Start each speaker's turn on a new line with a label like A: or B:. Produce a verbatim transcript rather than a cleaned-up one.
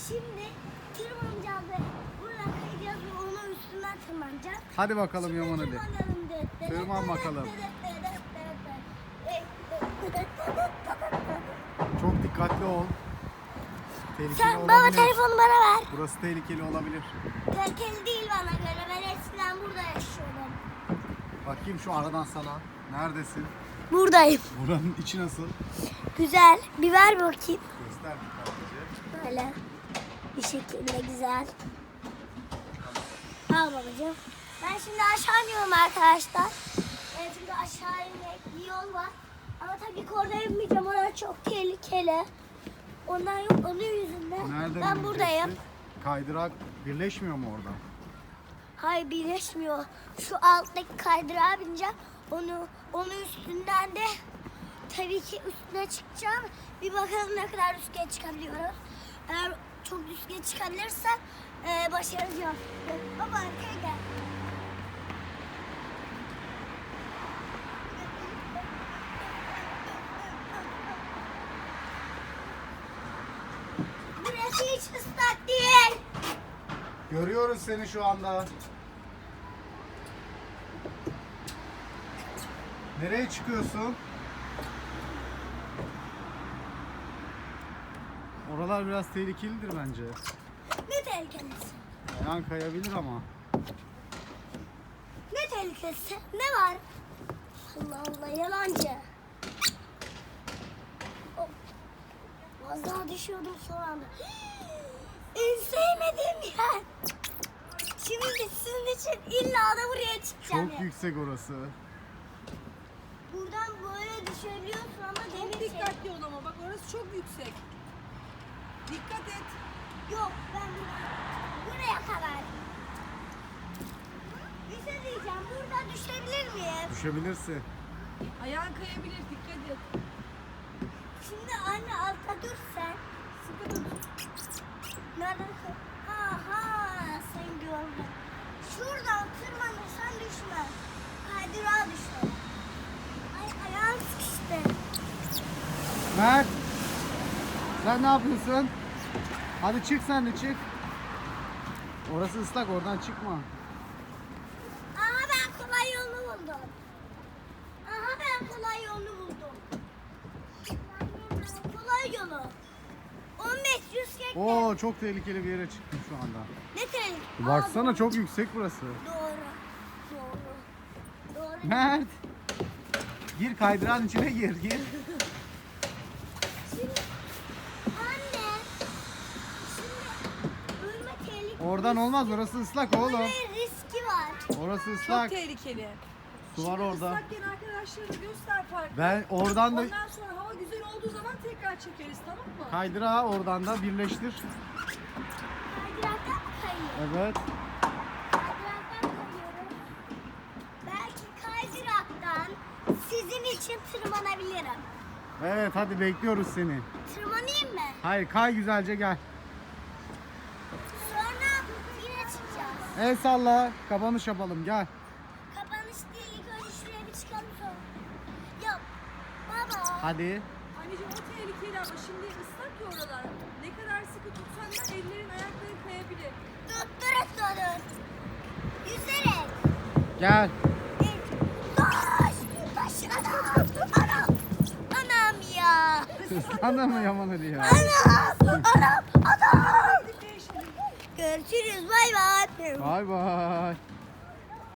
A: Şimdi tırmanacağız ve buradan kayacağız ve onun üstünden tırmanacağız.
B: Hadi bakalım
A: Şimdi
B: Yaman Ali.
A: tırmanalım.
B: Tırman bakalım. Çok dikkatli ol. Tehlikeli
A: Sen
B: olabilir.
A: baba telefonu bana ver.
B: Burası tehlikeli olabilir.
A: Tehlikeli değil bana göre. Ben eskiden burada yaşıyordum.
B: Bakayım şu aradan sana. Neredesin?
A: Buradayım.
B: Buranın içi nasıl?
A: Güzel. Bir ver bakayım.
B: Göster dikkatlice.
A: Böyle bir şekilde güzel. Al babacığım. Ben şimdi aşağı iniyorum arkadaşlar. Evet, şimdi aşağı inmek bir yol var. Ama tabii ki orada inmeyeceğim. Orası çok tehlikeli. Ondan yok, onun yüzünden.
B: Nereden
A: ben buradayım.
B: ineceksin? Kaydırak birleşmiyor mu orada?
A: Hayır, birleşmiyor. Şu alttaki kaydırağa bineceğim. Onu, onun üstünden de tabii ki üstüne çıkacağım. Bir bakalım ne kadar üstüne çıkabiliyoruz. Eğer çok üstüne çıkabilirsem e, başaracağım. Baba arkaya gel. Burası hiç ıslak değil.
B: Görüyoruz seni şu anda. Nereye çıkıyorsun? Oralar biraz tehlikelidir bence.
A: Ne tehlikelisi?
B: Ayağın kayabilir ama.
A: Ne tehlikesi? Ne var? Allah Allah, yalancı. Hop. Az daha düşüyordum son anda. En sevmediğim yer. Şimdi sizin için illa da buraya çıkacağım.
B: Çok yüksek orası.
A: Buradan böyle düşebiliyorsun ama
C: Çok
A: demir şey.
C: dikkatli ol ama bak orası çok yüksek. Dikkat et.
A: Yok, ben buraya kadar. Bir şey diyeceğim. Buradan düşebilir miyim?
B: Düşebilirsin.
C: Ayağın kayabilir, dikkat et.
A: Şimdi anne altta dur sen.
C: Sıkı tut.
A: Nereden? Aha, sen gördün. Şuradan tırmanırsan düşmez. Kaydırağa düşer. Ay, ayağım sıkıştı.
B: Mert. Sen ne yapıyorsun? Hadi çık sen de çık. Orası ıslak, oradan çıkma.
A: Aha, ben kolay yolunu buldum. Aha, ben kolay yolunu buldum. Kolay yolu. on beş yüz kekle.
B: Oo, çok tehlikeli bir yere çıktım şu anda.
A: Ne tehlikeli?
B: Baksana
A: Aa,
B: çok yüksek burası.
A: Doğru. Doğru. Doğru.
B: Mert. Gir kaydırağın içine gir, gir.
A: Şimdi anne. Şimdi ölme tehlikeli.
B: Oradan olmaz, orası ıslak oğlum.
A: Ölme riski var.
B: Orası
C: Çok
B: ıslak.
C: tehlikeli.
B: Su var
C: Şimdi
B: orada.
C: ıslakken arkadaşlarına göster farkı.
B: Ben oradan da
C: Ondan sonra hava güzel olduğu zaman tekrar çekeriz, tamam mı?
B: kaydırağı oradan da birleştir.
A: Kaydıraktan mı kayıyor?
B: Evet.
A: Kaydıraktan kayıyorum. Belki kaydıraktan sizin için tırmanabilirim.
B: Evet, hadi bekliyoruz seni.
A: Tırmanayım mı?
B: Hayır, kay güzelce gel.
A: Sonra yine çıkacağız.
B: El salla, kapanış yapalım, gel.
A: Kapanış değil. İlk önce şuraya bir çıkalım sonra. Yok. Baba.
B: Hadi.
C: Anneciğim o tehlikeli ama şimdi ıslak ya oralar. Ne kadar sıkı tutsan da ellerin ayakların kayabilir.
A: Tutturuk durun. Yüzerek.
B: Gel.
A: Taş. Taş. Anam. Anam. Anam ya.
B: Sana mı Yaman Ali ya?
A: Anam. Anam. Anam.
C: Hadi değişelim.
A: Görüşürüz. Bay bay.
B: Bay bay.